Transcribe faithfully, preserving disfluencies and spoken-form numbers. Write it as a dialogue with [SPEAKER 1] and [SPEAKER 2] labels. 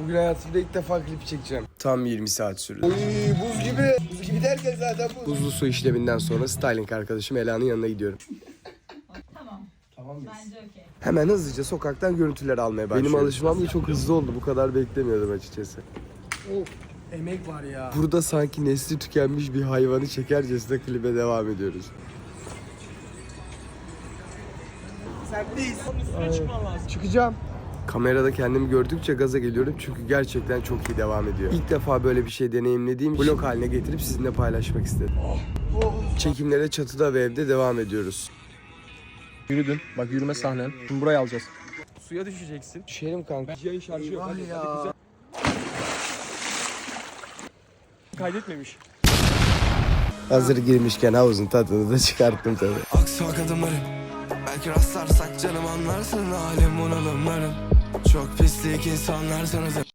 [SPEAKER 1] Bugün hayatımda ilk defa klip çekeceğim. Tam yirmi saat sürdü.
[SPEAKER 2] Oy, buz gibi. Buz gibi derken zaten bu.
[SPEAKER 1] Buzlu su işleminden sonra styling arkadaşım Ela'nın yanına gidiyorum.
[SPEAKER 3] Tamam.
[SPEAKER 1] Tamam mıyız?
[SPEAKER 3] Bence okey.
[SPEAKER 1] Hemen hızlıca sokaktan görüntüler almaya başlıyorum. Benim alışmam da çok hızlı oldu. Bu kadar beklemiyordum açıkçası.
[SPEAKER 2] Of, emek var ya.
[SPEAKER 1] Burada sanki nesli tükenmiş bir hayvanı çekercesine klibe devam ediyoruz.
[SPEAKER 2] Sendeyiz.
[SPEAKER 4] Üstüne çıkman lazım.
[SPEAKER 1] Çıkacağım. Kamerada kendimi gördükçe gaza geliyorum çünkü gerçekten çok iyi devam ediyor. İlk defa böyle bir şey deneyimlediğim için vlog haline getirip sizinle paylaşmak istedim. Çekimlere çatıda ve evde devam ediyoruz.
[SPEAKER 4] Yürüdün. Bak yürüme sahnen. Şimdi burayı alacağız. Suya düşeceksin.
[SPEAKER 1] Düşelim kanka.
[SPEAKER 4] Yayın şarjı yok. Hadi,
[SPEAKER 2] ya.
[SPEAKER 4] hadi güzel. Kaydetmemiş.
[SPEAKER 1] Hazır girmişken havuzun tadını da çıkarttım tabii.
[SPEAKER 5] Aksak adımlarım, belki rastlarsak canım anlarsın halim bunalımlarım. Çok pislik insanlar sanırım.